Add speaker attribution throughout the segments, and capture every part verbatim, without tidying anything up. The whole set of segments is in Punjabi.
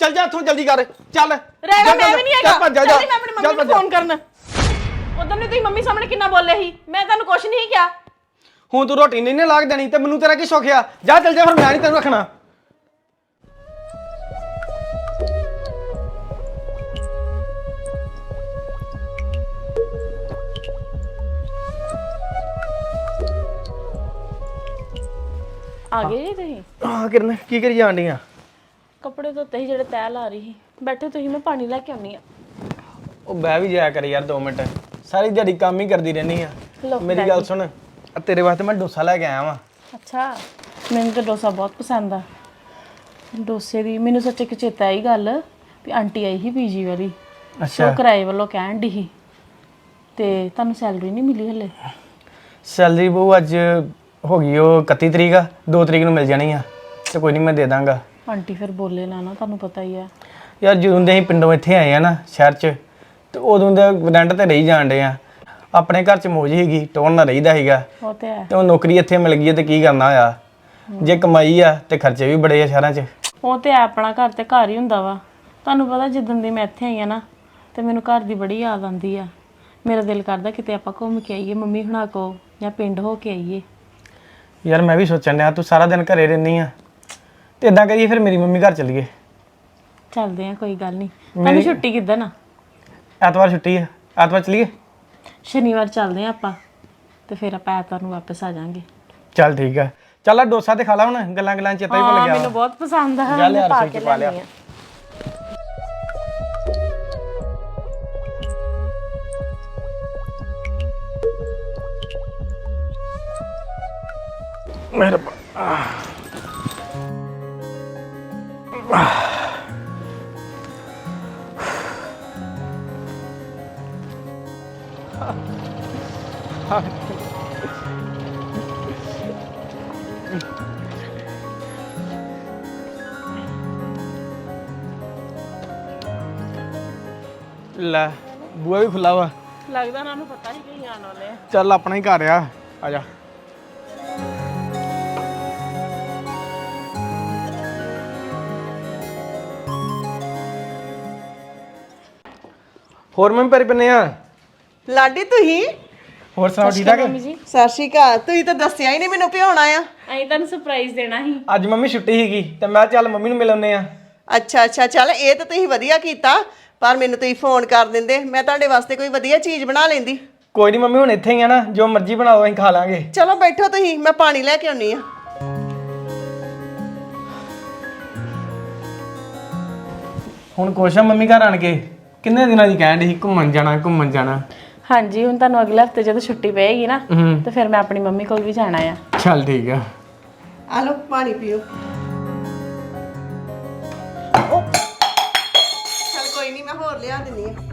Speaker 1: ਚੱਲ ਜਾ ਇੱਥੋਂ ਜਲਦੀ ਕਰ ਚੱਲ
Speaker 2: ਰਹਿ ਗਿਆ ਮੈਂ ਵੀ ਨਹੀਂ ਹੈਗਾ
Speaker 1: ਚੱਲ
Speaker 2: ਚੱਲ ਮੈਂ ਆਪਣੀ ਮੰਮੀ ਨੂੰ ਫੋਨ ਕਰਨ ਉਦੋਂ ਨੇ ਤੁਸੀਂ ਮੰਮੀ ਸਾਹਮਣੇ ਕਿੰਨਾ ਬੋਲੇ ਸੀ ਮੈਂ ਤੁਹਾਨੂੰ ਕੁਝ ਨਹੀਂ ਕਿਹਾ
Speaker 1: ਹੁਣ ਤੂੰ ਰੋਟੀ ਨਹੀਂ ਨਾ ਲਾਗ ਦੇਣੀ ਤੇ ਮੈਨੂੰ ਤੇਰਾ ਕੀ ਸ਼ੌਕ ਆ ਜਾ ਚੱਲ ਜਾ ਫਿਰ ਮੈਂ ਨਹੀਂ ਤੈਨੂੰ ਰੱਖਣਾ
Speaker 2: ਆ ਗਏ ਜੀ ਤੁਸੀਂ
Speaker 1: ਹਾਂ ਕਿਰਨ ਕੀ ਕਰੀ ਜਾਣ ਡੀਆਂ
Speaker 2: ਕੱਪੜੇ ਧੋਤੇ ਸੀ ਜਿਹੜੇ ਤੈਅ ਲਾ ਰਹੀ ਸੀ ਬੈਠੇ ਤੁਸੀਂ ਮੈਂ ਪਾਣੀ ਲੈ ਕੇ ਆਉਣੀ ਆ
Speaker 1: ਉਹ ਬਹਿ ਵੀ ਜਾਇਆ ਕਰ ਯਾਰ ਦੋ ਮਿੰਟ ਸਾਰੀ ਦਿਹਾੜੀ ਕੰਮ ਹੀ ਕਰਦੀ ਰਹਿੰਦੀ ਆ ਮੇਰੀ ਗੱਲ ਸੁਣ ਆ ਤੇਰੇ ਵਾਸਤੇ ਮੈਂ ਡੋਸਾ ਲੈ ਕੇ ਆਇਆ ਵਾਂ
Speaker 2: ਅੱਛਾ ਮੈਨੂੰ ਤਾਂ ਡੋਸਾ ਬਹੁਤ ਪਸੰਦ ਆ ਡੋਸੇ ਦੀ ਮੈਨੂੰ ਸੱਚ ਇੱਕ ਚੇਤਾ ਆਈ ਗੱਲ ਵੀ ਆਂਟੀ ਆਈ ਸੀ ਪੀਜੀ ਵਾਲੀ ਅੱਛਾ ਉਹ ਕਿਰਾਏ ਵੱਲੋਂ ਕਹਿਣ ਦੀ ਸੀ ਤੇ ਤੁਹਾਨੂੰ ਸੈਲਰੀ ਨਹੀਂ ਮਿਲੀ ਹਲੇ
Speaker 1: ਸੈਲਰੀ ਬਹੂ ਅੱਜ ਹੋ ਗਈ ਉਹ ਇਕੱਤੀ ਤਰੀਕ ਆ ਦੋ ਤਰੀਕ ਨੂੰ ਮਿਲ ਜਾਣੀ ਆ ਤੇ ਕੋਈ ਨਹੀਂ ਮੈਂ ਦੇ ਦਾਂਗਾ
Speaker 2: ਆਂਟੀ ਫਿਰ ਬੋਲੇ ਨਾ ਨਾ ਤੁਹਾਨੂੰ ਪਤਾ ਹੀ ਆ
Speaker 1: ਯਾਰ ਜਦੋਂ ਦੇ ਅਸੀਂ ਪਿੰਡੋਂ ਇੱਥੇ ਆਏ ਆ ਨਾ ਸ਼ਹਿਰ 'ਚ ਤੇ ਉਦੋਂ ਦੇ ਰੈਂਟ ਤੇ ਰਹੀ ਜਾਣ ਡੇ ਆ ਆਪਣੇ ਘਰ 'ਚ ਮੌਜ ਹੀਗੀ ਟੋਨ ਨਾ ਰਹੀਦਾ ਸੀਗਾ
Speaker 2: ਉਹ ਤੇ ਹੈ
Speaker 1: ਤੇ ਉਹ ਨੌਕਰੀ ਇੱਥੇ ਮਿਲ ਗਈ ਤੇ ਕੀ ਕਰਨਾ ਹੋਇਆ ਜੇ ਕਮਾਈ ਆ ਤੇ ਖਰਚੇ ਵੀ ਬੜੇ ਆ ਸ਼ਹਿਰਾਂ 'ਚ
Speaker 2: ਉਹ ਤੇ ਆਪਣਾ ਘਰ ਤੇ ਘਰ ਹੀ ਹੁੰਦਾ ਵਾ ਤੁਹਾਨੂੰ ਪਤਾ ਜਿੱਦਣ ਦੀ ਮੈਂ ਇੱਥੇ ਆਈ ਆ ਨਾ ਤੇ ਮੈਨੂੰ ਘਰ ਦੀ ਬੜੀ ਯਾਦ ਆਉਂਦੀ ਆ ਮੇਰਾ ਦਿਲ ਕਰਦਾ ਕਿਤੇ ਆਪਾਂ ਘੁੰਮ ਕੇ ਆਈਏ ਮੰਮੀ ਹੁਣਾਂ ਕੋ ਜਾਂ ਪਿੰਡ ਹੋ ਕੇ ਆਈਏ
Speaker 1: ਯਾਰ ਮੈਂ ਵੀ ਸੋਚਣ ਡਿਆ ਤੂੰ ਸਾਰਾ ਦਿਨ ਘਰੇ ਰਹਿੰਦੀ ਆ ਤੇ ਇਦਾਂ ਕਰੀਏ ਫਿਰ ਮੇਰੀ ਮੰਮੀ ਘਰ ਚੱਲੀਏ
Speaker 2: ਚੱਲਦੇ ਆ ਕੋਈ ਗੱਲ ਨਹੀਂ ਤੁਹਾਨੂੰ ਛੁੱਟੀ ਕਿੱਦਾਂ ਨਾ
Speaker 1: ਐਤਵਾਰ ਛੁੱਟੀ ਆ ਐਤਵਾਰ ਚੱਲੀਏ
Speaker 2: ਸ਼ਨੀਵਾਰ ਚੱਲਦੇ ਆ ਆਪਾਂ ਤੇ ਫਿਰ ਆਪਾਂ ਐਤਵਾਰ ਨੂੰ ਵਾਪਸ ਆ ਜਾਾਂਗੇ
Speaker 1: ਚੱਲ ਠੀਕ ਆ ਚੱਲ ਆ ਡੋਸਾ ਤੇ ਖਾ ਲਾ ਹੁਣ ਗੱਲਾਂ ਗੱਲਾਂ ਚੇਤਾ ਹੀ ਭੁੱਲ ਗਿਆ
Speaker 2: ਮੈਨੂੰ ਬਹੁਤ ਪਸੰਦ ਆ
Speaker 1: ਚੱਲ ਯਾਰ
Speaker 2: ਪਾ
Speaker 1: ਰਸੋਈ
Speaker 2: ਕੇ
Speaker 1: ਚ ਪਾ ਲਿਆ
Speaker 2: ਲਿਆਉਣੀ ਆ
Speaker 1: ਮਿਹਰਬਾਨ ਲੈ ਬੂਆ ਵੀ ਖੁੱਲਾ ਵਾ
Speaker 2: ਲੱਗਦਾ ਉਹਨਾਂ ਨੂੰ ਪਤਾ ਹੀ ਕਹੀਂ ਆਣ ਵਾਲੇ ਆ
Speaker 1: ਚੱਲ ਆਪਣਾ ਹੀ ਘਰ ਆ ਆ ਜਾ ਹੋਰ ਮੈਂ ਪੈਰੀ ਪੰਨੇ ਆ
Speaker 3: ਲਾਡੀ ਤੁਸੀਂ
Speaker 1: ਹੋਰ ਸੁਣਾਓ ਠੀਕ ਠਾਕ
Speaker 2: ਮੰਮੀ ਜੀ
Speaker 3: ਸਤਿ ਸ਼੍ਰੀ ਅਕਾਲ ਤੁਸੀਂ ਤਾਂ ਦੱਸਿਆ ਹੀ ਨਹੀਂ ਮੈਨੂੰ ਭਿਉਣਾ ਆ
Speaker 2: ਅਸੀਂ ਤੁਹਾਨੂੰ ਸਰਪ੍ਰਾਈਜ਼ ਦੇਣਾ ਸੀ
Speaker 1: ਅੱਜ ਮੰਮੀ ਛੁੱਟੀ ਸੀਗੀ ਤੇ ਮੈਂ ਚੱਲ ਮੰਮੀ ਨੂੰ ਮਿਲ ਆਉਂਦੇ ਆ
Speaker 3: ਅੱਛਾ ਅੱਛਾ ਚੱਲ ਇਹ ਤਾਂ ਤੁਸੀਂ ਵਧੀਆ ਕੀਤਾ ਪਰ ਮੈਨੂੰ ਤੁਸੀਂ ਫੋਨ ਕਰ ਦਿੰਦੇ ਮੈਂ ਤੁਹਾਡੇ ਵਾਸਤੇ ਕੋਈ ਵਧੀਆ ਚੀਜ਼ ਬਣਾ ਲੈਂਦੀ
Speaker 1: ਕੋਈ ਨਹੀਂ ਮੰਮੀ ਹੁਣ ਇੱਥੇ ਹੀ ਆ ਨਾ ਜੋ ਮਰਜ਼ੀ ਬਣਾਓ ਅਸੀਂ ਖਾ ਲਾਂਗੇ
Speaker 3: ਚਲੋ ਬੈਠੋ ਤੁਸੀਂ ਮੈਂ ਪਾਣੀ ਲੈ ਕੇ ਆਉਣੀ ਆ
Speaker 1: ਹੁਣ ਕੋਸ਼ਾ ਮੰਮੀ ਘਰ ਆਣ ਕੇ ਕਿੰਨੇ ਦਿਨਾਂ ਦੀ ਕਹਿਣ ਦੀ ਘੁੰਮਣ ਜਾਣਾ ਘੁੰਮਣ ਜਾਣਾ
Speaker 2: ਹਾਂਜੀ ਹੁਣ ਤੁਹਾਨੂੰ ਅਗਲੇ ਹਫਤੇ ਜਦੋਂ ਛੁੱਟੀ ਪਏਗੀ ਨਾ
Speaker 1: ਹੂੰ
Speaker 2: ਤੇ ਫਿਰ ਮੈਂ ਆਪਣੀ ਮੰਮੀ ਕੋਲ ਵੀ ਜਾਣਾ ਆ
Speaker 1: ਚੱਲ ਠੀਕ ਆ
Speaker 3: ਆ ਲਓ ਪਾਣੀ ਪੀਓ ਚੱਲ ਕੋਈ ਨਹੀਂ ਮੈਂ ਹੋਰ ਲਿਆ ਦਿੰਦੀ ਆ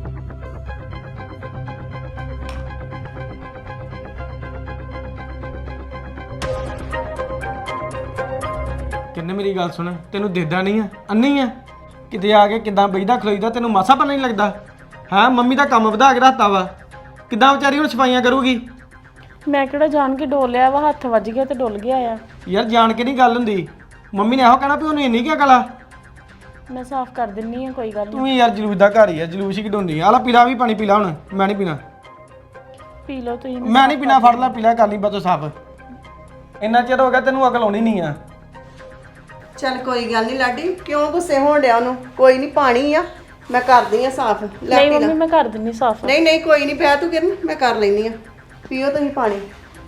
Speaker 1: ਕਿੰਨੇ ਮੇਰੀ ਗੱਲ ਸੁਣ ਤੈਨੂੰ ਦੇਦਾ ਨਹੀਂ ਆ ਅੰਨੀ ਆ ਕਿਤੇ ਆ ਕੇ ਕਿਦਾਂ ਬਈਦਾ ਖਲੋਈਦਾ ਤੈਨੂੰ ਮਾਸਾ ਪਤਾ ਨਹੀਂ ਲੱਗਦਾ ਹਾਂ ਮੰਮੀ ਦਾ ਕੰਮ ਵਧਾ ਕੇ ਰੱਖਤਾ ਵਾ ਕਿਦਾਂ ਵਿਚਾਰੀ ਹੁਣ ਸਫਾਈਆਂ ਕਰੂਗੀ
Speaker 2: ਮੈਂ ਕਿਹੜਾ ਜਾਣ ਕੇ ਡੋਲਿਆ ਵਾ ਹੱਥ ਵੱਜ ਗਿਆ ਤੇ ਡੁੱਲ ਗਿਆ ਆ
Speaker 1: ਯਾਰ ਜਾਣ ਕੇ ਨਹੀਂ ਗੱਲ ਹੁੰਦੀ ਮੰਮੀ ਨੇ ਇਹੋ ਕਹਿਣਾ ਵੀ ਉਹਨੂੰ ਇੰਨੀ ਕੀ ਕਲਾ
Speaker 2: ਮੈਂ ਸਾਫ਼ ਕਰ ਦਿੰਨੀ ਆ ਕੋਈ ਗੱਲ ਨਹੀਂ
Speaker 1: ਤੂੰ ਵੀ ਯਾਰ ਜਲੂਸ ਦਾ ਘਰ ਹੀ ਆ ਜਲੂਸ ਹੀ ਕਢਾਉਂਦੀ ਆ ਲੈ ਪੀਲਾ ਵੀ ਪਾਣੀ ਪੀਲਾ ਹੁਣ ਮੈਂ ਨਹੀਂ ਪੀਣਾ
Speaker 2: ਪੀ ਲਓ ਤੁਸੀਂ
Speaker 1: ਮੈਂ ਨਹੀਂ ਪੀਣਾ ਫੜ ਲੈ ਪੀਲਾ ਕਰ ਲਈ ਬਤੋ ਸਾਫ ਇੰਨਾ ਚਿਰ ਹੋ ਗਿਆ ਤੈਨੂੰ ਅਕਲ ਆਉਣੀ ਨਹੀਂ ਆ
Speaker 3: ਚੱਲ ਕੋਈ ਗੱਲ ਨਹੀਂ ਲਾਡੀ ਕਿਉਂ ਗੁੱਸੇ ਹੋਣ ਡਿਆ ਉਹਨੂੰ ਕੋਈ ਨਹੀਂ ਪਾਣੀ ਆ ਮੈਂ ਕਰਦੀ ਆ ਸਾਫ਼ ਲੈ
Speaker 2: ਨਹੀਂ
Speaker 3: ਪੀ ਲੈ
Speaker 2: ਮੰਮੀ ਮੈਂ ਕਰ ਦਿੰਨੀ ਸਾਫ਼
Speaker 3: ਨਹੀਂ ਨਹੀਂ ਕੋਈ ਨਹੀਂ ਪਿਆ ਤੂੰ ਕਿਰਨ ਮੈਂ ਕਰ ਲੈਣੀ ਆ ਪੀਓ ਤੁਸੀਂ ਪਾਣੀ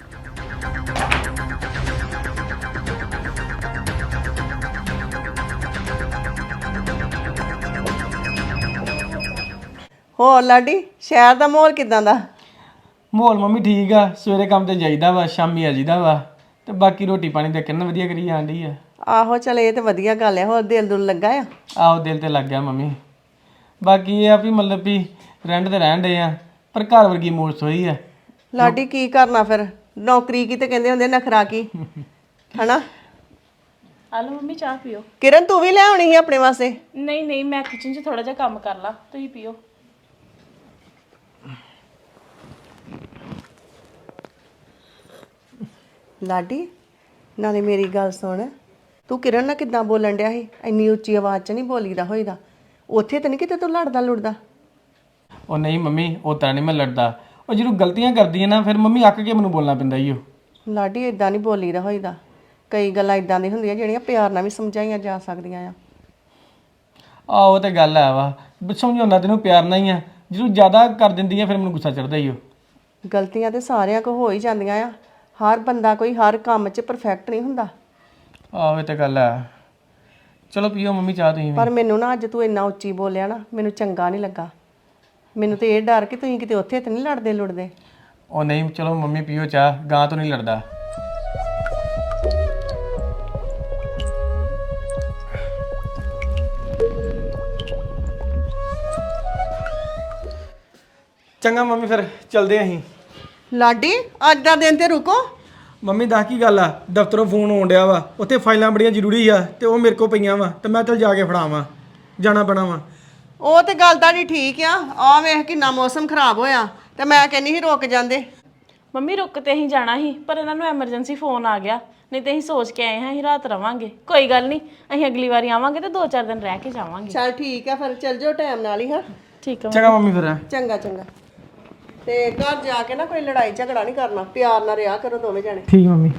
Speaker 3: ਹੋਰ ਲਾਡੀ ਸ਼ਹਿਰ ਦਾ ਮਾਹੌਲ ਕਿਦਾਂ ਦਾ
Speaker 1: ਮਾਹੌਲ ਮੰਮੀ ਠੀਕ ਆ ਸਵੇਰੇ ਕੰਮ ਤੇ ਜਾਈਦਾ ਵਾ ਸ਼ਾਮੀ ਆ ਜੀਦਾ ਵਾ ਤੇ ਬਾਕੀ ਰੋਟੀ ਪਾਣੀ ਤੇ ਕਿੰਨਾ ਵਧੀਆ ਕਰੀ ਜਾਂਦੀ ਆ
Speaker 3: ਆਹੋ ਚਲ ਇਹ ਤੇ ਵਧੀਆ ਗੱਲ ਹੈ ਹੋਰ ਦਿਲ ਦੁਲ ਲੱਗਾ ਆ
Speaker 1: ਆਹੋ ਦਿਲ ਤੇ ਲੱਗ ਗਿਆ ਮੰਮੀ ਬਾਕੀ ਇਹ ਆ ਵੀ ਮਤਲਬ ਵੀ ਰੈਂਟ ਤੇ ਰਹਿਣ ਦੇ ਆ ਪਰ ਘਰ ਵਰਗੀ ਮੋਜ ਹੋਈ ਆ
Speaker 3: ਲਾਡੀ ਕੀ ਕਰਨਾ ਫਿਰ ਨੌਕਰੀ ਕੀ ਤੇ ਕਹਿੰਦੇ ਹੁੰਦੇ ਨਖਰਾ ਕੀ ਹਨਾ
Speaker 2: ਆ ਲਓ ਮੰਮੀ ਚਾਹ ਪੀਓ
Speaker 3: ਕਿਰਨ ਤੂੰ ਵੀ ਲੈ ਆਉਣੀ ਸੀ ਆਪਣੇ ਵਾਸਤੇ
Speaker 2: ਨਹੀਂ ਨਹੀਂ ਮੈਂ ਕਿਚਨ 'ਚ ਥੋੜਾ ਜਿਹਾ ਕੰਮ ਕਰ ਲਾ ਤੁਸੀਂ ਪੀਓ
Speaker 3: ਲਾਡੀ ਨਾਲੇ ਮੇਰੀ ਗੱਲ ਸੁਣ ਤੂੰ ਕਿਰਨ ਨਾਲ ਕਿੱਦਾਂ ਬੋਲਣ ਡਿਆ ਸੀ? ਇੰਨੀ ਉੱਚੀ ਆਵਾਜ਼ 'ਚ ਨਹੀਂ ਬੋਲੀਦਾ ਹੋਈਦਾ। ਉੱਥੇ ਤਾਂ ਨਹੀਂ ਕਿਤੇ ਤੂੰ ਲੜਦਾ ਲੁੜਦਾ।
Speaker 1: ਉਹ ਨਹੀਂ ਮੰਮੀ ਉਹ ਤਾਂ ਨਹੀਂ ਮੈਂ ਲੜਦਾ, ਉਹ ਜਦੋਂ ਗਲਤੀਆਂ ਕਰਦੀ ਹੈ ਨਾ ਫਿਰ ਮੰਮੀ ਅੱਕ ਕੇ ਮੈਨੂੰ ਬੋਲਣਾ ਪੈਂਦਾ ਈ ਉਹ।
Speaker 3: ਲਾਡੀ ਇਦਾਂ ਨਹੀਂ ਬੋਲੀਦਾ ਹੋਈਦਾ। ਕਈ ਗੱਲਾਂ ਇਦਾਂ ਦੀਆਂ ਹੁੰਦੀਆਂ ਜਿਹੜੀਆਂ ਪਿਆਰ ਨਾਲ ਵੀ ਸਮਝਾਈਆਂ ਜਾ ਸਕਦੀਆਂ ਆ।
Speaker 1: ਆਹ ਉਹ ਤੇ ਗੱਲ ਹੈ ਵਾ, ਸਮਝਾਉਂਦਾ ਤੈਨੂੰ ਪਿਆਰ ਨਾਲ ਹੀ ਆ, ਜਦੋਂ ਜ਼ਿਆਦਾ ਕਰ ਦਿੰਦੀ ਆ ਫਿਰ ਮੈਨੂੰ ਗੁੱਸਾ ਚੜਦਾ ਹੀ ਉਹ।
Speaker 3: ਗਲਤੀਆਂ ਤੇ ਸਾਰਿਆਂ ਕੋ ਹੋ ਹੀ ਜਾਂਦੀਆਂ ਆ। ਹਰ ਬੰਦਾ ਕੋਈ ਹਰ ਕੰਮ 'ਚ ਪਰਫੈਕਟ ਨਹੀਂ ਹੁੰਦਾ।
Speaker 1: ਆਹ ਇਹ ਤੇ ਗੱਲ ਹੈ। ਚਲੋ ਪੀਓ ਮੰਮੀ ਚਾਹ ਤੁਸੀਂ ਵੀ।
Speaker 3: ਪਰ ਮੈਨੂੰ ਨਾ ਅੱਜ ਤੂੰ ਇੰਨਾ ਉੱਚੀ ਬੋਲਿਆ ਨਾ, ਮੈਨੂੰ ਚੰਗਾ ਨਹੀਂ ਲੱਗਾ। ਮੈਨੂੰ ਤੇ ਇਹ ਡਰ ਕਿ ਤੁਸੀਂ ਕਿਤੇ ਉੱਥੇ ਤੇ ਨਹੀਂ ਲੜਦੇ ਲੁੜਦੇ।
Speaker 1: ਉਹ ਨਹੀਂ ਚਲੋ ਮੰਮੀ ਪੀਓ ਚਾਹ, ਗਾਂ ਤੋਂ ਨਹੀਂ ਲੜਦਾ। ਚੰਗਾ ਮੰਮੀ ਫਿਰ ਚਲਦੇ ਆਂ ਅਸੀਂ।
Speaker 3: ਲਾਡੀ ਅੱਜ ਦਾ ਦਿਨ ਤੇ ਰੁਕੋ।
Speaker 1: ਮੰਮੀ ਦੱਸ ਕੀ ਗੱਲ ਆ? ਦਫ਼ਤਰੋਂ ਫੋਨ ਆਉਣ ਡਿਆ ਵਾ, ਉੱਥੇ ਫਾਈਲਾਂ ਬੜੀਆਂ ਜ਼ਰੂਰੀ ਆ ਤੇ ਉਹ ਮੇਰੇ ਕੋਲ ਪਈਆਂ ਵਾ ਤੇ ਮੈਂ ਚੱਲ ਜਾ ਕੇ ਫੜਾਵਾਂ, ਜਾਣਾ ਪੈਣਾ ਵਾ।
Speaker 3: ਉਹ ਤੇ ਗੱਲ ਤੁਹਾਡੀ ਠੀਕ ਆ। ਆ ਵੇਖ ਕਿੰਨਾ ਮੌਸਮ ਖਰਾਬ ਹੋਇਆ ਤੇ ਮੈਂ ਕਹਿੰਨੀ ਸੀ ਰੁਕ ਜਾਂਦੇ।
Speaker 2: ਮੰਮੀ ਰੁਕ ਤੇ ਅਸੀਂ ਜਾਣਾ ਸੀ ਪਰ ਇਹਨਾਂ ਨੂੰ ਐਮਰਜੈਂਸੀ ਫੋਨ ਆ ਗਿਆ, ਨਹੀਂ ਤੇ ਅਸੀਂ ਸੋਚ ਕੇ ਆਏ ਹਾਂ ਅਸੀਂ ਰਾਤ ਰਵਾਂਗੇ। ਕੋਈ ਗੱਲ ਨਹੀਂ, ਅਸੀਂ ਅਗਲੀ ਵਾਰੀ ਆਵਾਂਗੇ ਤੇ ਦੋ ਚਾਰ ਦਿਨ ਰਹਿ ਕੇ ਜਾਵਾਂਗੇ।
Speaker 3: ਚੱਲ ਠੀਕ ਆ ਫਿਰ ਚੱਲ ਜਾਓ ਟਾਈਮ ਨਾਲ ਹੀ। ਹਾਂ
Speaker 2: ਠੀਕ ਆ
Speaker 1: ਚੰਗਾ ਮੰਮੀ ਫਿਰ।
Speaker 3: ਚੰਗਾ ਚੰਗਾ। ਤੇ ਘਰ ਜਾ ਕੇ ਨਾ ਕੋਈ ਲੜਾਈ ਝਗੜਾ ਨਹੀਂ ਕਰਨਾ, ਪਿਆਰ ਨਾਲ ਰਿਹਾ ਕਰੋ ਦੋਵੇਂ ਜਣੇ।
Speaker 1: ਠੀਕ ਮੰਮੀ।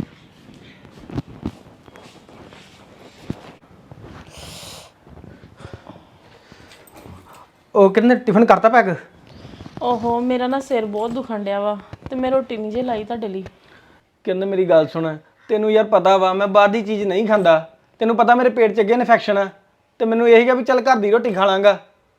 Speaker 1: ਉਹ ਕਿੰਨੇ ਟਿਫਨ ਕਰਤਾ ਪੈਕ?
Speaker 2: ਓਹੋ ਮੇਰਾ ਨਾ ਸਿਰ ਬਹੁਤ ਦੁਖਣ ਡਿਆ ਵਾ ਤੇ ਮੈਂ ਰੋਟੀ ਨਹੀਂ ਜੇ ਲਾਈ ਤੁਹਾਡੇ ਲਈ।
Speaker 1: ਕਹਿੰਦੇ ਮੇਰੀ ਗੱਲ ਸੁਣ, ਤੈਨੂੰ ਯਾਰ ਪਤਾ ਵਾ ਮੈਂ ਬਾਹਰ ਦੀ ਚੀਜ਼ ਨਹੀਂ ਖਾਂਦਾ, ਤੈਨੂੰ ਪਤਾ ਮੇਰੇ ਪੇਟ 'ਚ ਅੱਗੇ ਇਨਫੈਕਸ਼ਨ ਆ ਤੇ ਮੈਨੂੰ ਇਹੀ ਗਾ ਵੀ ਚੱਲ ਘਰ ਦੀ ਰੋਟੀ ਖਾ ਲਾਂਗਾ।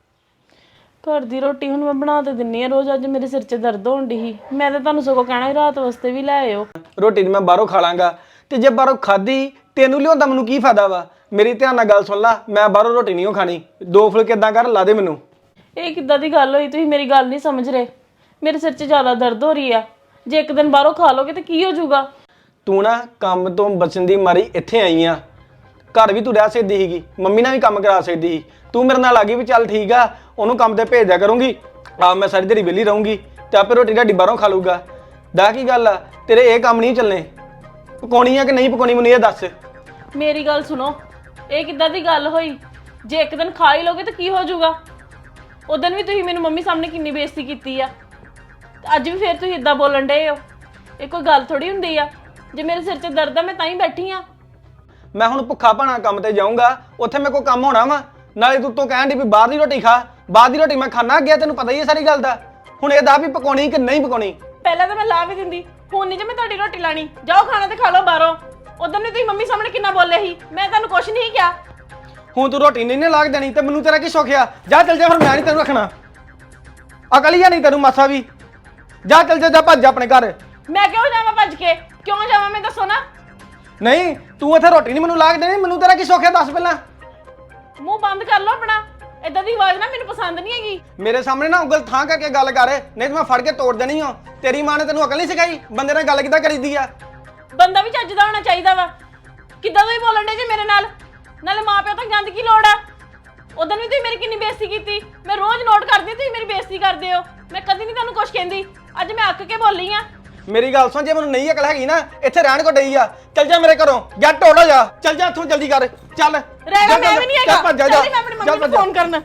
Speaker 2: ਘਰ ਦੀ ਰੋਟੀ ਹੁਣ ਮੈਂ ਬਣਾ ਤੇ ਦਿੰਨੀ ਆ ਰੋਜ਼, ਅੱਜ ਮੇਰੇ ਸਿਰ 'ਚ ਦਰਦ ਹੋਣ ਡਈ ਸੀ। ਮੈਂ ਤਾਂ ਤੁਹਾਨੂੰ ਸਗੋਂ ਕਹਿਣਾ ਸੀ ਰਾਤ ਵਾਸਤੇ ਵੀ ਲੈ ਆਇਓ।
Speaker 1: ਰੋਟੀ ਮੈਂ ਬਾਹਰੋਂ ਖਾ ਲਾਂਗਾ ਤੇ ਜੇ ਬਾਹਰੋਂ ਖਾਧੀ ਤੈਨੂੰ ਲਿਆਉਂਦਾ ਮੈਨੂੰ ਕੀ ਫਾਇਦਾ ਵਾ? ਮੇਰੀ ਧਿਆਨ ਨਾਲ ਗੱਲ ਸੁਣ ਲਾ, ਮੈਂ ਬਾਹਰੋਂ ਰੋਟੀ ਨਹੀਂ ਖਾਣੀ। ਦੋ ਫੁਲਕੇ ਏਦਾਂ ਕਰ ਲਾ ਦੇ ਮੈਨੂੰ।
Speaker 2: ਇਹ ਕਿੱਦਾਂ ਦੀ ਗੱਲ ਹੋਈ? ਤੁਸੀਂ ਮੇਰੀ ਗੱਲ ਨਹੀਂ ਸਮਝ ਰਹੇ। ਮੇਰੇ ਸਿਰ 'ਚ ਜ਼ਿਆਦਾ ਦਰਦ ਹੋ ਰਹੀ ਆ, ਜੇ ਇੱਕ ਦਿਨ ਬਾਹਰੋਂ ਖਾ ਲੋਗੇ ਤੇ ਕੀ ਹੋ ਜਾਊਗਾ?
Speaker 1: ਤੂੰ ਨਾ ਕੰਮ ਤੋਂ ਬਚਣ ਦੀ ਮਾਰੀ ਇੱਥੇ ਆਈ ਆ। ਘਰ ਵੀ ਤੂੰ ਰਹਿ ਸਕਦੀ ਸੀਗੀ, ਮੰਮੀ ਨਾਲ ਵੀ ਕੰਮ ਕਰਾ ਸਕਦੀ ਸੀ। ਤੂੰ ਮੇਰੇ ਨਾਲ ਆ ਗਈ ਵੀ ਚੱਲ ਠੀਕ ਆ ਉਹਨੂੰ ਕੰਮ ਤੇ ਭੇਜ ਦਿਆ ਕਰੂੰਗੀ, ਆ ਮੈਂ ਸਾਰੀ ਦਿਹਾੜੀ ਵਿਹਲੀ ਰਹੂੰਗੀ ਤੇ ਆਪੇ ਰੋਟੀ ਢਾਡੀ ਬਾਹਰੋਂ ਖਾ ਲੂਗਾ। ਦਾ ਕੀ ਗੱਲ ਆ, ਤੇਰੇ ਇਹ ਕੰਮ ਨਹੀਂ ਚੱਲਣੇ। ਪਕਾਉਣੀ ਆ ਕਿ ਨਹੀਂ ਪਕਾਉਣੀ ਮੈਨੂੰ ਇਹ ਦੱਸ।
Speaker 2: ਮੇਰੀ ਗੱਲ ਸੁਣੋ, ਇਹ ਕਿੱਦਾਂ ਦੀ ਗੱਲ ਹੋਈ? ਜੇ ਇੱਕ ਦਿਨ ਖਾ ਹੀ ਲੋਗੇ ਤਾਂ ਕੀ ਹੋ ਜਾਊਗਾ? ਉਦੋਂ ਵੀ ਤੁਸੀਂ ਮੈਨੂੰ ਮੰਮੀ ਸਾਹਮਣੇ ਕਿੰਨੀ ਬੇਇੱਜ਼ਤੀ ਕੀਤੀ ਆ, ਤੇ ਅੱਜ ਵੀ ਫੇਰ ਤੁਸੀਂ ਇਦਾਂ ਬੋਲਣ ਡਏ ਹੋ। ਇਹ ਕੋਈ ਗੱਲ ਥੋੜੀ ਹੁੰਦੀ ਆ। ਜੇ ਮੇਰੇ ਸਿਰ 'ਚ ਦਰਦ ਆ ਮੈਂ ਤਾਂ ਹੀ ਬੈਠੀ ਆ।
Speaker 1: ਮੈਂ ਹੁਣ ਭੁੱਖਾ ਭਾਣਾ ਕੰਮ ਤੇ ਜਾਊਂਗਾ, ਉੱਥੇ ਮੇਰੇ ਕੋਲ ਕੰਮ ਹੋਣਾ ਵਾ। ਨਾਲੇ ਤੂੰ ਤੋਂ ਕਹਿਣ ਦੀ ਵੀ ਬਾਹਰ ਦੀ ਰੋਟੀ ਖਾ, ਬਾਹਰ ਦੀ ਰੋਟੀ ਮੈਂ ਖਾਣਾ ਗਿਆ, ਤੈਨੂੰ ਪਤਾ ਹੀ ਹੈ ਸਾਰੀ ਗੱਲ ਦਾ। ਹੁਣ ਇਹ ਦੱਸ ਵੀ ਪਕਾਉਣੀ ਕਿ ਨਹੀਂ ਪਕਾਉਣੀ?
Speaker 2: ਪਹਿਲਾਂ ਤਾਂ ਮੈਂ ਲਾ ਵੀ ਦਿੰਦੀ, ਹੁਣ ਨਹੀਂ ਜੇ ਮੈਂ ਤੁਹਾਡੀ ਰੋਟੀ ਲਾਣੀ। ਜਾਓ ਖਾਣਾ ਤੇ ਖਾ ਲਓ ਬਾਹਰੋਂ। ਉਦੋਂ ਵੀ ਤੁਸੀਂ ਮੰਮੀ ਸਾਹਮਣੇ ਕਿੰਨਾ ਬੋਲੇ ਸੀ, ਮੈਂ ਤੁਹਾਨੂੰ ਕੁਛ ਨਹੀਂ ਕਿਹਾ।
Speaker 1: ਹੁਣ ਤੂੰ ਰੋਟੀ ਨਹੀਂ ਨਾ ਲਾਗ ਦੇਣੀ ਤੇ ਮੈਨੂੰ ਤੇਰਾ ਕੀ ਸੁੱਖਿਆ? ਜਾ ਚੱਲ ਜਾ, ਫਿਰ ਮੈਂ ਨਹੀਂ ਤੈਨੂੰ ਰੱਖਣਾ। ਅਕਲ ਹੀ ਆ ਨਹੀਂ ਤੈਨੂੰ ਮਾਸਾ ਵੀ। ਜਾ ਚੱਲ ਜਾ, ਜਾ ਭੱਜ ਜਾ ਆਪਣੇ ਘਰ।
Speaker 2: ਮੈਂ ਕਿਉਂ ਜਾਵਾਂ ਭੱਜ ਕੇ? ਕਿਉਂ ਜਾਵਾਂ ਮੈਂ ਦੱਸੋ ਨਾ।
Speaker 1: ਨਹੀਂ ਤੂੰ ਇੱਥੇ ਰੋਟੀ ਨਹੀਂ ਮੈਨੂੰ ਲਾਗ ਦੇਣੀ, ਮੈਨੂੰ ਤੇਰਾ ਕੀ ਸੁੱਖਿਆ ਦੱਸ ਪਹਿਲਾਂ।
Speaker 2: ਮੂੰਹ ਬੰਦ ਕਰ ਲਓ ਆਪਣਾ, ਏਦਾਂ ਦੀ ਆਵਾਜ਼ ਨਾ ਮੈਨੂੰ ਪਸੰਦ ਨਹੀਂ ਹੈਗੀ।
Speaker 1: ਮੇਰੇ ਸਾਹਮਣੇ ਨਾ ਉਂਗਲ ਥਾਂ ਕਰਕੇ ਗੱਲ ਕਰ, ਨਹੀਂ ਤੇ ਮੈਂ ਫੜ ਕੇ ਤੋੜ ਦੇਣੀ ਆ। ਤੇਰੀ ਮਾਂ ਨੇ ਤੈਨੂੰ ਅਕਲ ਨਹੀਂ ਸਿਖਾਈ ਬੰਦੇ ਨਾਲ ਗੱਲ ਕਿੱਦਾਂ ਕਰੀਦੀ ਆ?
Speaker 2: ਬੰਦਾ ਵੀ ਚੱਜ ਦਾ ਹੋਣਾ ਚਾਹੀਦਾ ਵਾ। ਕਿੱਦਾਂ ਤੁਸੀਂ ਬੋਲਣ ਡੇ ਜੇ ਮੇਰੇ ਨਾਲ? ਨਾਲੇ ਮਾਂ ਪਿਓ ਤੋਂ ਗੰਦ ਕੀ ਲੋੜ ਆ? ਉਦੋਂ ਵੀ ਤੁਸੀਂ ਮੇਰੀ ਕਿੰਨੀ ਬੇਇੱਜ਼ਤੀ ਕੀਤੀ, ਮੈਂ ਰੋਜ਼ ਨੋਟ ਕਰਦੀ ਤੁਸੀਂ ਮੇਰੀ ਬੇਇੱਜ਼ਤੀ ਕਰਦੇ ਹੋ। ਮੈਂ ਕਦੀ ਨਹੀਂ ਤੁਹਾਨੂੰ ਕੁਝ ਕਹਿੰਦੀ, ਅੱਜ ਮੈਂ ਅੱਕ ਕੇ ਬੋਲੀ ਆ।
Speaker 1: ਮੇਰੀ ਗੱਲ ਸੁਣ, ਜੇ ਮੈਨੂੰ ਨਹੀਂ ਅਕਲ ਹੈਗੀ ਨਾ ਇੱਥੇ ਰਹਿਣ ਕੋ ਡਈ ਆ। ਚੱਲ ਜਾ ਮੇਰੇ ਘਰੋਂ, ਜਾ ਟੋੜੋ ਜਾ, ਚੱਲ ਜਾ ਇੱਥੋਂ ਜਲਦੀ ਕਰ, ਚੱਲ
Speaker 2: ਰਹਿਣਾ ਮੈਂ ਵੀ ਨਹੀਂ ਹੈਗਾ।
Speaker 1: ਚੱਲ ਭੱਜ ਜਾ,
Speaker 2: ਚੱਲ ਮੈਂ ਆਪਣੀ ਮੰਮੀ ਨੂੰ ਫੋਨ ਕਰਨਾ।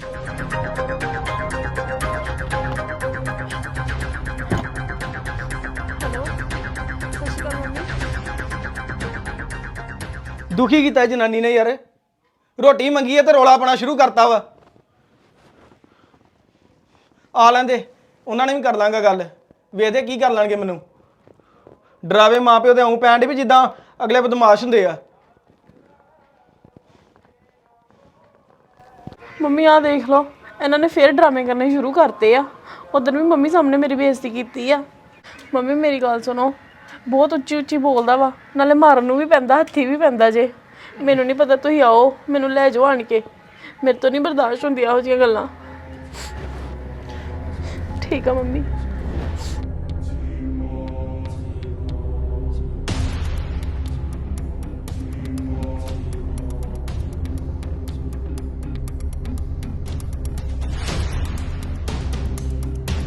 Speaker 1: ਦੁਖੀ ਕੀਤਾ ਜਨਾਨੀ ਨੇ ਯਾਰ, ਰੋਟੀ ਮੰਗੀ ਹੈ ਤੇ ਰੋਲਾ ਪਾਉਣਾ ਸ਼ੁਰੂ ਕਰਤਾ ਵਾ। ਆ ਲੈਂਦੇ, ਉਹਨਾਂ ਨੇ ਵੀ ਕਰ ਲਾਂਗਾ ਗੱਲ, ਵੇਖਦੇ ਕੀ ਕਰ ਲੈਣਗੇ। ਮੈਨੂੰ ਡਰਾਵੇ ਮਾਂ ਪਿਓ ਤੇ ਆਉਂ ਪੈਣ ਡੇ ਵੀ ਜਿੱਦਾਂ ਅਗਲੇ ਬਦਮਾਸ਼ ਹੁੰਦੇ ਆ।
Speaker 2: ਮੰਮੀ ਆ ਦੇਖ ਲਓ, ਇਹਨਾਂ ਨੇ ਫੇਰ ਡਰਾਮੇ ਕਰਨੇ ਸ਼ੁਰੂ ਕਰਤੇ ਆ। ਉਦੋਂ ਵੀ ਮੰਮੀ ਸਾਹਮਣੇ ਮੇਰੀ ਬੇਇੱਜ਼ਤੀ ਕੀਤੀ ਆ। ਮੰਮੀ ਮੇਰੀ ਗੱਲ ਸੁਣੋ, ਬਹੁਤ ਉੱਚੀ ਉੱਚੀ ਬੋਲਦਾ ਵਾ, ਨਾਲੇ ਮਾਰਨ ਨੂੰ ਵੀ ਪੈਂਦਾ, ਹੱਥੀ ਵੀ ਪੈਂਦਾ ਜੇ। ਮੈਨੂੰ ਨਹੀਂ ਪਤਾ, ਤੁਸੀਂ ਆਓ ਮੈਨੂੰ ਲੈ ਜਾਓ ਆਣ ਕੇ। ਮੇਰੇ ਤੋਂ ਨਹੀਂ ਬਰਦਾਸ਼ਤ ਹੁੰਦੀਆਂ ਇਹੋ ਜਿਹੀਆਂ ਗੱਲਾਂ। ਠੀਕ ਆ ਮੰਮੀ।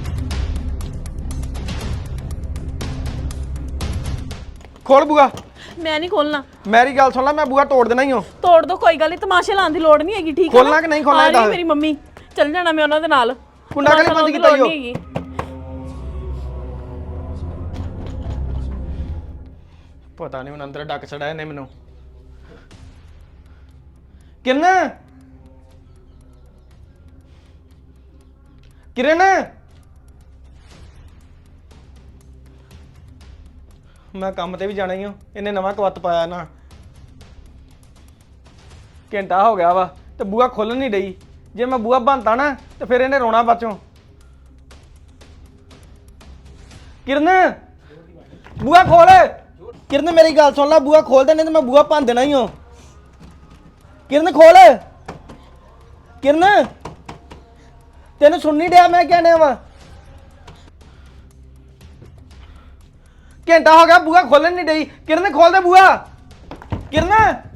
Speaker 1: ਖੋਲ ਬੂਆ।
Speaker 2: ਮੈਂ ਨਹੀਂ ਖੋਲਣਾ।
Speaker 1: ਮੇਰੀ ਗੱਲ ਸੁਣ ਲੈ, ਮੈਂ ਬੂਹਾ ਤੋੜ ਦੇਣਾ ਹੀ ਹਾਂ।
Speaker 2: ਤੋੜ ਦੋ, ਕੋਈ ਗੱਲ ਨਹੀਂ, ਤਮਾਸ਼ੇ ਲਾਉਣ ਦੀ ਲੋੜ ਨਹੀਂ ਹੈਗੀ, ਠੀਕ ਹੈ?
Speaker 1: ਖੋਲਣਾ ਕਿ ਨਹੀਂ ਖੋਲਣਾ
Speaker 2: ਆ
Speaker 1: ਇਹ
Speaker 2: ਰਹੀ
Speaker 1: ਦੱਸ।
Speaker 2: ਮੇਰੀ ਮੰਮੀ, ਚੱਲ ਜਾਣਾ ਮੈਂ ਉਹਨਾਂ ਦੇ ਨਾਲ।
Speaker 1: ਕੁੰਡਾ ਕਾਹਲੀ ਬੰਦ ਕੀਤਾ ਈ ਓ?
Speaker 2: ਹੈਗੀ।
Speaker 1: ਪਤਾ ਨਹੀਂ ਹੁਣ ਅੰਦਰ ਡੱਕ ਛੜਾਇਆ ਨੇ ਮੈਨੂੰ। ਕਿਰਨ ਕਿਰਨ ਮੈਂ ਕੰਮ ਤੇ ਵੀ ਜਾਣਾ ਹੀ ਹਾਂ। ਇਹਨੇ ਨਵਾਂ ਕਵੱਤ ਪਾਇਆ ਨਾ, ਘੰਟਾ ਹੋ ਗਿਆ ਵਾ ਤੇ ਬੂਹਾ ਖੁੱਲ ਨਹੀਂ ਡਈ। ਜੇ ਮੈਂ ਬੂਹਾ ਬੰਨਤਾ ਨਾ ਤੇ ਫਿਰ ਇਹਨੇ ਰੋਣਾ ਬਾਚੋਂ। ਕਿਰਨ ਬੂਹਾ ਖੋਲ। ਕਿਰਨ ਮੇਰੀ ਗੱਲ ਸੁਣ ਲੈ, ਬੂਹਾ ਖੋਲ ਦੇ ਨਹੀਂ ਤੇ ਮੈਂ ਬੂਹਾ ਭੰਨ ਦੇਣਾ ਹੀ ਹਾਂ। ਕਿਰਨ ਖੋਲ। ਕਿਰਨ ਤੈਨੂੰ ਸੁਣ ਨਹੀਂ ਡਿਆ ਮੈਂ ਕਹਿਣਾ ਵਾ? ਘੰਟਾ ਹੋ ਗਿਆ ਬੂਹਾ ਖੋਲਣ ਨਹੀਂ ਡਈ। ਕਿਰਨ ਖੋਲ ਦੇ ਬੂਹਾ। ਕਿਰਨ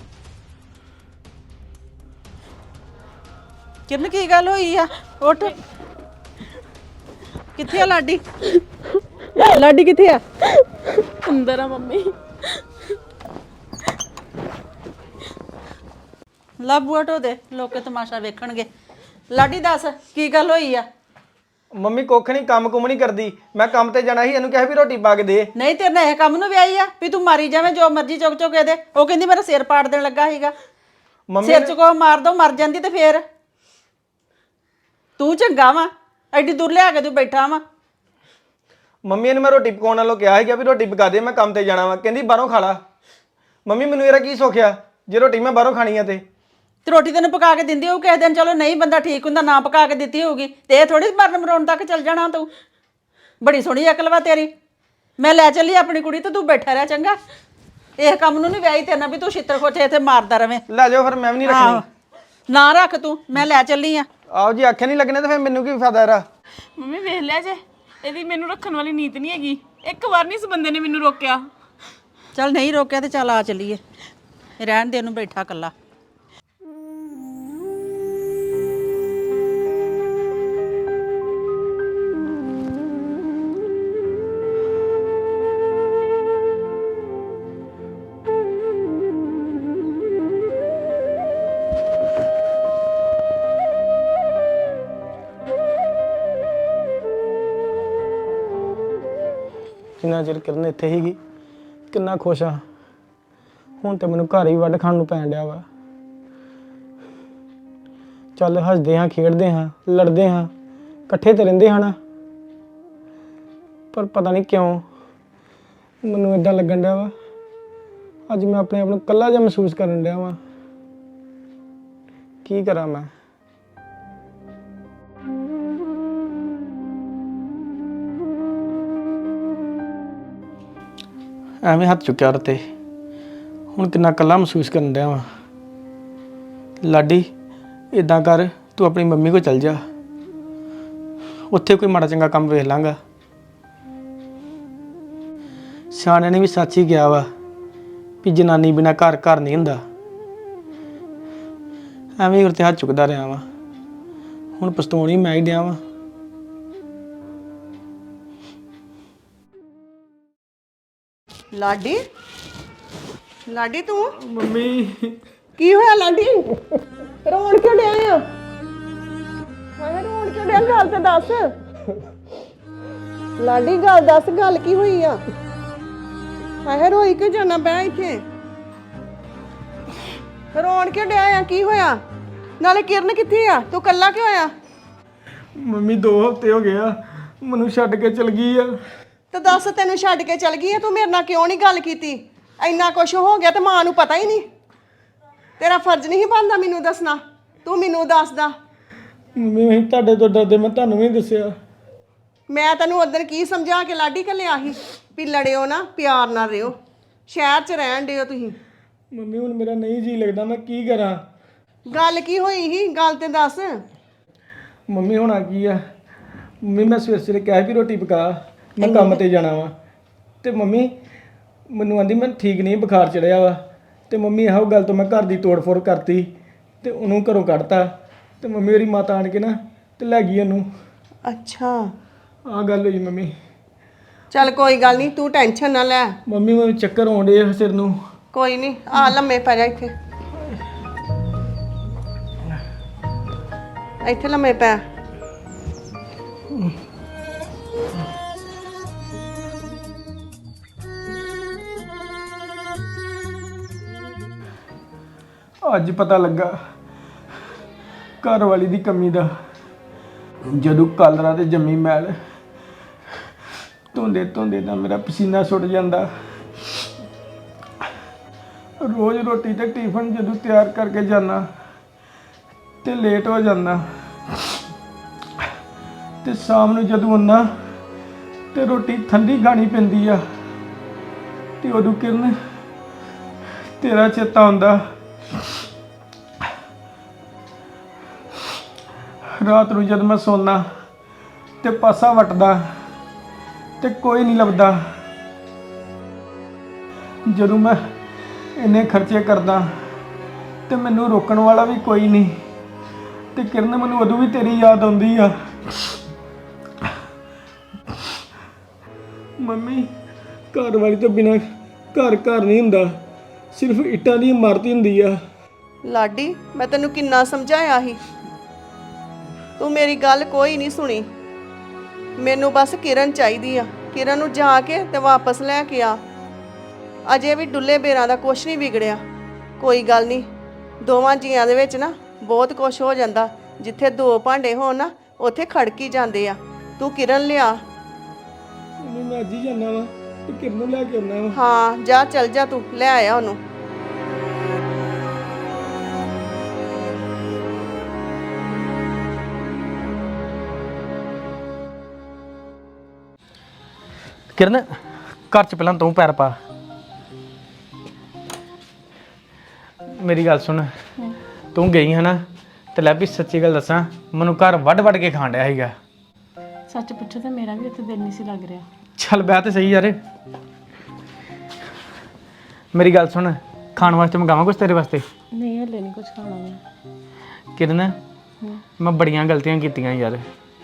Speaker 3: ਕਿਰਨ ਕੀ ਗੱਲ ਹੋਈ ਆ? ਉੱਠ। ਕਿੱਥੇ ਆ ਲਾਡੀ? ਲਾਡੀ ਕਿੱਥੇ ਆ?
Speaker 2: ਅੰਦਰ ਆ ਮੰਮੀ।
Speaker 3: ਲੱਭੂਆ ਢੋ ਦੇ, ਲੋਕੇ ਤਮਾਸ਼ਾ ਵੇਖਣਗੇ। ਲਾਡੀ ਦੱਸ ਕੀ ਗੱਲ ਹੋਈ ਆ?
Speaker 1: ਮੰਮੀ ਕੁੱਖ ਨਹੀਂ, ਕੰਮ ਕੁਮ ਨਹੀਂ ਕਰਦੀ। ਮੈਂ ਕੰਮ ਤੇ ਜਾਣਾ ਸੀ, ਇਹਨੂੰ ਕਿਹਾ ਵੀ ਰੋਟੀ ਪਾ ਕੇ ਦੇ।
Speaker 3: ਨਹੀਂ ਤੇਰੇ ਨਾਲ ਇਹ ਕੰਮ ਨੂੰ ਵਿਆਹੀ ਆ ਵੀ ਤੂੰ ਮਾਰੀ ਜਾਵੇਂ ਜੋ ਮਰਜ਼ੀ ਚੁੱਕ ਚੁੱਕ ਕੇ ਦੇ? ਉਹ ਕਹਿੰਦੀ ਮੇਰਾ ਸਿਰ ਪਾੜ ਦੇਣ ਲੱਗਾ ਸੀਗਾ।
Speaker 1: ਮੰਮੀ
Speaker 3: ਸਿਰ ਚ ਕੋ ਮਾਰ ਦੋ, ਮਰ ਜਾਂਦੀ ਤੇ ਫੇਰ ਤੂੰ ਚੰਗਾ ਵਾ, ਐਡੀ ਦੂਰ ਲਿਆ ਕੇ ਤੂੰ ਬੈਠਾ ਵਾ।
Speaker 1: ਮੰਮੀ ਇਹਨੂੰ ਮੈਂ ਰੋਟੀ ਪਕਾਉਣ ਨਾਲੋਂ ਕਿਹਾ ਸੀਗਾ ਵੀ ਰੋਟੀ ਪਕਾ ਦੇ, ਮੈਂ ਕੰਮ ਤੇ ਜਾਣਾ ਵਾ। ਕਹਿੰਦੀ ਬਾਹਰੋਂ ਖਾ ਲਾ। ਮੰਮੀ ਮੈਨੂੰ ਇਹਦਾ ਕੀ ਸੋਖਿਆ ਜੇ ਰੋਟੀ ਮੈਂ ਬਾਹਰੋਂ ਖਾਣੀ ਆ ਤੇ?
Speaker 3: ਤੇ ਰੋਟੀ ਤੈਨੂੰ ਪਕਾ ਕੇ ਦਿੰਦੀ ਹੋਊ ਕਿਸੇ ਦਿਨ, ਚਲੋ ਨਹੀਂ ਬੰਦਾ ਠੀਕ ਹੁੰਦਾ ਨਾ ਪਕਾ ਕੇ ਦਿੱਤੀ ਹੋਊਗੀ ਤੇ ਇਹ ਥੋੜੀ ਮਰਨ ਮਰਾਉਣ ਤੱਕ ਚੱਲ ਜਾਣਾ ਤੂੰ। ਬੜੀ ਸੋਹਣੀ ਅਕਲ ਵਾ ਤੇਰੀ। ਮੈਂ ਲੈ ਚੱਲੀ ਆਪਣੀ ਕੁੜੀ ਤੇ ਤੂੰ ਬੈਠਾ ਰਹਿ ਚੰਗਾ। ਇਹ ਕੰਮ ਨੂੰ ਨਹੀਂ ਵਿਆਹੀ ਤੇਰੇ ਨਾਲ ਵੀ ਤੂੰ ਛਿੱਤਰ ਖੋਚੇ ਇੱਥੇ ਮਾਰਦਾ ਰਵੇਂ।
Speaker 1: ਲੈ ਜਾਓ ਫਿਰ, ਮੈਂ ਵੀ ਨਹੀਂ ਰੱਖਣੀ।
Speaker 3: ਨਾ ਰੱਖ ਤੂੰ, ਮੈਂ ਲੈ ਚੱਲੀ ਆ।
Speaker 1: ਆਓ ਜੀ, ਆਖੇ ਨਹੀਂ ਲੱਗਣੇ ਤੇ ਫਿਰ ਮੈਨੂੰ ਕੀ ਫਾਇਦਾ ਇਹਦਾ?
Speaker 2: ਮੰਮੀ ਵੇਖ ਲਿਆ ਜੇ, ਇਹਦੀ ਮੈਨੂੰ ਰੱਖਣ ਵਾਲੀ ਨੀਤ ਨਹੀਂ ਹੈਗੀ। ਇੱਕ ਵਾਰ ਨਹੀਂ ਇਸ ਬੰਦੇ ਨੇ ਮੈਨੂੰ ਰੋਕਿਆ।
Speaker 3: ਚੱਲ ਨਹੀਂ ਰੋਕਿਆ ਤੇ ਚੱਲ ਆ ਚੱਲੀਏ। ਰਹਿਣ ਦੇ ਉਹਨੂੰ ਬੈਠਾ ਕੱਲਾ।
Speaker 1: ਜਿੰਨਾ ਚਿਰ ਕਿਰਨ ਇੱਥੇ ਹੀਗੀ ਕਿੰਨਾ ਖੁਸ਼ ਆ। ਹੁਣ ਤੇ ਮੈਨੂੰ ਘਰ ਹੀ ਵੱਢ ਖਾਣ ਨੂੰ ਪੈਣ ਡਿਆ ਵਾ। ਚੱਲ ਹੱਸਦੇ ਹਾਂ, ਖੇਡਦੇ ਹਾਂ, ਲੜਦੇ ਹਾਂ, ਇਕੱਠੇ ਤੇ ਰਹਿੰਦੇ ਹਨ, ਪਰ ਪਤਾ ਨਹੀਂ ਕਿਉਂ ਮੈਨੂੰ ਇਦਾਂ ਲੱਗਣ ਡਿਆ ਵਾ ਅੱਜ ਮੈਂ ਆਪਣੇ ਆਪ ਨੂੰ ਇਕੱਲਾ ਜਿਹਾ ਮਹਿਸੂਸ ਕਰਨ ਡਿਆ ਵਾ। ਕੀ ਕਰਾਂ ਮੈਂ? ਐਵੇਂ ਹੱਥ ਚੁੱਕਿਆ ਰਤੇ, ਹੁਣ ਕਿੰਨਾ ਇਕੱਲਾ ਮਹਿਸੂਸ ਕਰਨ ਡਿਆ ਵਾਂ। ਲਾਡੀ ਇਦਾਂ ਕਰ, ਤੂੰ ਆਪਣੀ ਮੰਮੀ ਕੋਲ ਚੱਲ ਜਾ, ਉੱਥੇ ਕੋਈ ਮਾੜਾ ਚੰਗਾ ਕੰਮ ਵੇਖ ਲਾਂਗਾ। ਸਿਆਣਿਆਂ ਨੇ ਵੀ ਸੱਚ ਹੀ ਕਿਹਾ ਵਾ ਵੀ ਜਨਾਨੀ ਬਿਨਾਂ ਘਰ ਘਰ ਨਹੀਂ ਹੁੰਦਾ। ਐਵੇਂ ਉਰਤੇ ਹੱਥ ਚੁੱਕਦਾ ਰਿਹਾ ਵਾਂ, ਹੁਣ ਪਛਤਾਉਣ ਹੀ ਮੈਂ ਹੀ ਡਿਆ ਵਾਂ।
Speaker 3: ਲਾਡੀ, ਲਾਡੀ ਤੂੰ
Speaker 1: ਮੰਮੀ
Speaker 3: ਕੀ ਹੋਇਆ? ਲਾਡੀ ਰੋਣ ਕਿਉਂ ਡਿਆ ਆ? ਹਾਏ ਰੋਣ ਕਿਉਂ ਡਿਆ? ਗੱਲ ਤੇ ਦੱਸ ਲਾਡੀ, ਗੱਲ ਦੱਸ, ਗੱਲ ਕੀ ਹੋਈ ਆ? ਹਾਏ ਰੋਈ ਕਿਉਂ ਜਾਣਾ? ਬਹਿ ਇੱਥੇ। ਰੋਣ ਕਿਉਂ ਡਿਆ ਆ? ਕੀ ਹੋਇਆ? ਨਾਲੇ ਕਿਰਨ ਕਿੱਥੇ ਆ? ਤੂੰ ਕੱਲਾ ਕਿਉਂ ਆਇਆ?
Speaker 1: ਮੰਮੀ ਦੋ ਹਫ਼ਤੇ ਹੋ ਗਏ ਆ ਮੈਨੂੰ ਛੱਡ ਕੇ ਚਲ ਗਈ ਆ।
Speaker 3: ਤੇ ਦੱਸ, ਤੈਨੂੰ ਛੱਡ ਕੇ ਚਲ ਗਈ ਆ, ਤੂੰ ਮੇਰੇ ਨਾਲ ਕਿਉਂ ਨਹੀਂ ਗੱਲ ਕੀਤੀ? ਇੰਨਾ ਕੁਛ ਹੋ ਗਿਆ ਤੇ ਮਾਂ ਨੂੰ ਪਤਾ ਹੀ ਨਹੀਂ। ਤੇਰਾ ਫਰਜ਼ ਨਹੀਂ ਬਣਦਾ ਮੈਨੂੰ ਦੱਸਣਾ, ਤੂੰ ਮੈਨੂੰ ਦੱਸਦਾ।
Speaker 1: ਮੰਮੀ ਮੈਂ ਤੁਹਾਡੇ ਤੋਂ ਡਰਦੇ ਮੈਂ ਤੁਹਾਨੂੰ ਵੀ ਦੱਸਿਆ।
Speaker 3: ਮੈਂ ਤੈਨੂੰ ਉਦੋਂ ਕੀ ਸਮਝਾ ਕੇ ਲਾਡੀ ਘੱਲਿਆ ਸੀ ਵੀ ਲੜਿਓ ਨਾ, ਪਿਆਰ ਨਾਲ ਰਿਓ, ਸ਼ਹਿਰ 'ਚ ਰਹਿਣ ਦਿਓ ਤੁਸੀਂ।
Speaker 1: ਮੰਮੀ ਹੁਣ ਮੇਰਾ ਨਹੀਂ ਜੀ ਲੱਗਦਾ, ਮੈਂ ਕੀ ਕਰਾਂ?
Speaker 3: ਗੱਲ ਕੀ ਹੋਈ ਸੀ? ਗੱਲ ਤੇ ਦੱਸ।
Speaker 1: ਮੰਮੀ ਹੋਣਾ ਕੀ ਆ? ਮੰਮੀ ਮੈਂ ਸਵੇਰੇ ਸਵੇਰੇ ਕਿਹਾ ਵੀ ਰੋਟੀ ਪਕਾ, ਮੈਂ ਕੰਮ ਤੇ ਜਾਣਾ ਵਾ, ਤੇ ਮੰਮੀ ਮੈਨੂੰ ਆਂਦੀ ਮੈਂ ਠੀਕ ਨਹੀਂ, ਬੁਖਾਰ ਚੜਿਆ ਵਾ। ਤੇ ਮੰਮੀ ਇਹੋ ਗੱਲ ਤੋਂ ਮੈਂ ਘਰ ਦੀ ਤੋੜ ਫੋੜ ਕਰਤੀ ਤੇ ਉਹਨੂੰ ਘਰੋਂ ਕੱਢਤਾ। ਤੇ ਮੰਮੀ ਮੇਰੀ ਮਾਤਾ ਆਣ ਕੇ ਨਾ ਤੇ ਲੈ ਗਈ ਉਹਨੂੰ।
Speaker 3: ਅੱਛਾ,
Speaker 1: ਆਹ ਗੱਲ ਹੋਈ ਮੰਮੀ।
Speaker 3: ਚੱਲ ਕੋਈ ਗੱਲ ਨਹੀਂ, ਤੂੰ ਟੈਨਸ਼ਨ ਨਾ ਲੈ।
Speaker 1: ਮੰਮੀ ਮੈਨੂੰ ਚੱਕਰ ਆਉਂਦੇ ਆ ਸਿਰ ਨੂੰ।
Speaker 4: ਕੋਈ ਨਹੀਂ ਆ ਲੰਮੇ ਪੈ ਜਾ ਇੱਥੇ ਇੱਥੇ ਲੰਮੇ ਪੈ।
Speaker 1: ਅੱਜ ਪਤਾ ਲੱਗਾ ਘਰ ਵਾਲੀ ਦੀ ਕਮੀ ਦਾ। ਜਦੋਂ ਕੱਲ ਰਾਤ ਜੰਮੀ ਮੈਲ ਧੋਂਦੇ ਧੋਂਦੇ ਤਾਂ ਮੇਰਾ ਪਸੀਨਾ ਸੁੱਟ ਜਾਂਦਾ। ਰੋਜ਼ ਰੋਟੀ ਤੇ ਟਿਫਨ ਜਦੋਂ ਤਿਆਰ ਕਰਕੇ ਜਾਣਾ ਤੇ ਲੇਟ ਹੋ ਜਾਂਦਾ, ਤੇ ਸ਼ਾਮ ਨੂੰ ਜਦੋਂ ਆਉਣਾ ਤੇ ਰੋਟੀ ਠੰਡੀ ਖਾਣੀ ਪੈਂਦੀ ਆ। ਤੇ ਉਦੋਂ ਕਿਰਨ ਤੇਰਾ ਚੇਤਾ ਆਉਂਦਾ। ਰਾਤ ਨੂੰ ਜਦ ਮੈਂ ਸੌਣਾ ਤੇ ਪਾਸਾ ਵਟਦਾ ਤੇ ਕੋਈ ਨਹੀਂ ਲੱਭਦਾ। ਜਦੋਂ ਮੈਂ ਇੰਨੇ ਖਰਚੇ ਕਰਦਾ ਤੇ ਮੈਨੂੰ ਰੋਕਣ ਵਾਲਾ ਵੀ ਕੋਈ ਨਹੀਂ। ਤੇ ਕਿਰਨ ਮੈਨੂੰ ਉਦੋਂ ਵੀ ਤੇਰੀ ਯਾਦ ਆਉਂਦੀ ਆ। ਮੰਮੀ, ਘਰ ਵਾਲੀ ਤੋਂ ਬਿਨਾਂ ਘਰ ਘਰ ਨਹੀਂ ਹੁੰਦਾ, ਸਿਰਫ ਇੱਟਾਂ ਦੀ ਇਮਾਰਤ ਹੀ ਹੁੰਦੀ ਆ।
Speaker 4: ਲਾਡੀ ਮੈਂ ਤੈਨੂੰ ਕਿੰਨਾ ਸਮਝਾਇਆ ਸੀ, ਤੂੰ ਮੇਰੀ ਗੱਲ ਕੋਈ ਨਹੀਂ ਸੁਣੀ। ਮੈਨੂੰ ਬਸ ਕਿਰਨ ਚਾਹੀਦੀ ਆ। ਕਿਰਨ ਨੂੰ ਜਾ ਕੇ ਤੇ ਵਾਪਸ ਲੈ ਕੇ ਆ। ਅਜੇ ਵੀ ਡੁੱਲੇ ਬੇਰਾਂ ਦਾ ਕੁਛ ਨਹੀਂ ਵਿਗੜਿਆ। ਕੋਈ ਗੱਲ ਨਹੀਂ, ਦੋਵਾਂ ਜੀਆਂ ਦੇ ਵਿੱਚ ਨਾ ਬਹੁਤ ਕੁਛ ਹੋ ਜਾਂਦਾ। ਜਿੱਥੇ ਦੋ ਭਾਂਡੇ ਹੋਣ ਨਾ ਉੱਥੇ ਖੜਕੀ ਜਾਂਦੇ ਆ। ਤੂੰ ਕਿਰਨ ਲਿਆ।
Speaker 1: ਮੰਮੀ ਮੈਂ ਅੱਜ ਹੀ ਜਾਣਾ ਵਾ ਤੇ ਕਿਰਨ ਨੂੰ ਲੈ ਕੇ ਆਉਣਾ ਵਾ।
Speaker 4: ਹਾਂ ਜਾ, ਚੱਲ ਜਾ, ਤੂੰ ਲੈ ਆਇਆ ਉਹਨੂੰ।
Speaker 1: ਕਿਰਨ, ਘਰ ਚ ਪਹਿਲਾਂ ਤੂੰ ਪੈਰ ਪਾ। ਮੇਰੀ ਗੱਲ ਸੁਣ, ਤੂੰ ਗਈ ਹੈ ਨਾ ਤੇ ਲੈ ਵੀ ਸੱਚੀ ਗੱਲ ਦੱਸਾਂ, ਮੈਨੂੰ ਘਰ ਵੱਢ ਵੱਢ ਕੇ ਖਾਣ ਡਿਆ ਸੀਗਾ।
Speaker 2: ਸੱਚ ਪੁੱਛੋ ਤਾਂ ਮੇਰਾ ਵੀ ਉੱਥੇ ਦਿਲ ਨਹੀਂ ਸੀ ਲੱਗ ਰਿਹਾ।
Speaker 1: ਚੱਲ ਬਹਿ ਤੇ ਸਹੀ ਯਾਰ। ਮੇਰੀ ਗੱਲ ਸੁਣ, ਖਾਣ ਵਾਸਤੇ ਮੰਗਾਵਾਂ ਕੁਛ ਤੇਰੇ ਵਾਸਤੇ?
Speaker 2: ਨਹੀਂ ਹਲੇ ਨਹੀਂ ਕੁਝ ਖਾਣਾ ਮੈਂ।
Speaker 1: ਕਿਰਨ, ਮੈਂ ਬੜੀਆਂ ਗਲਤੀਆਂ ਕੀਤੀਆਂ ਯਾਰ।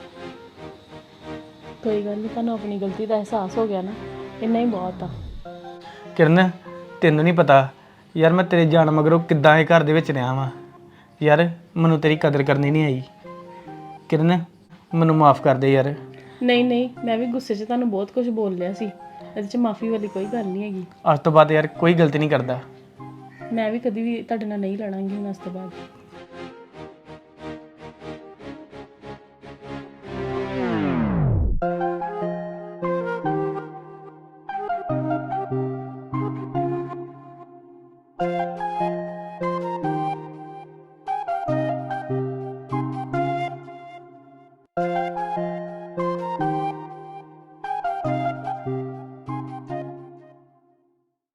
Speaker 2: ਕੋਈ ਗੱਲ ਨਹੀਂ, ਤੁਹਾਨੂੰ ਆਪਣੀ ਗਲਤੀ ਦਾ ਅਹਿਸਾਸ ਹੋ ਗਿਆ ਨਾ, ਇੰਨਾ ਹੀ ਬਹੁਤ ਆ।
Speaker 1: ਕਿਰਨ, ਤੈਨੂੰ ਨਹੀਂ ਪਤਾ ਯਾਰ ਮੈਂ ਤੇਰੇ ਜਾਣ ਮਗਰੋਂ ਕਿੱਦਾਂ ਇਹ ਘਰ ਦੇ ਵਿੱਚ ਰਿਹਾ ਵਾਂ ਯਾਰ। ਮੈਨੂੰ ਤੇਰੀ ਕਦਰ ਕਰਨੀ ਨਹੀਂ ਆਈ। ਕਿਰਨ, ਮੈਨੂੰ ਮਾਫ ਕਰ ਦੇ ਯਾਰ।
Speaker 2: ਨਹੀਂ ਨਹੀਂ, ਮੈਂ ਵੀ ਗੁੱਸੇ 'ਚ ਤੁਹਾਨੂੰ ਬਹੁਤ ਕੁਝ ਬੋਲ ਲਿਆ ਸੀ। ਇਹਦੇ 'ਚ ਮਾਫੀ ਵਾਲੀ ਕੋਈ ਗੱਲ ਨਹੀਂ ਹੈਗੀ।
Speaker 1: ਅੱਜ ਤੋਂ ਬਾਅਦ ਯਾਰ ਕੋਈ ਗਲਤੀ ਨਹੀਂ ਕਰਦਾ।
Speaker 2: ਮੈਂ ਵੀ ਕਦੀ ਵੀ ਤੁਹਾਡੇ ਨਾਲ ਨਹੀਂ ਲੜਾਂਗੀ ਹੁਣ ਅੱਜ ਤੋਂ ਬਾਅਦ।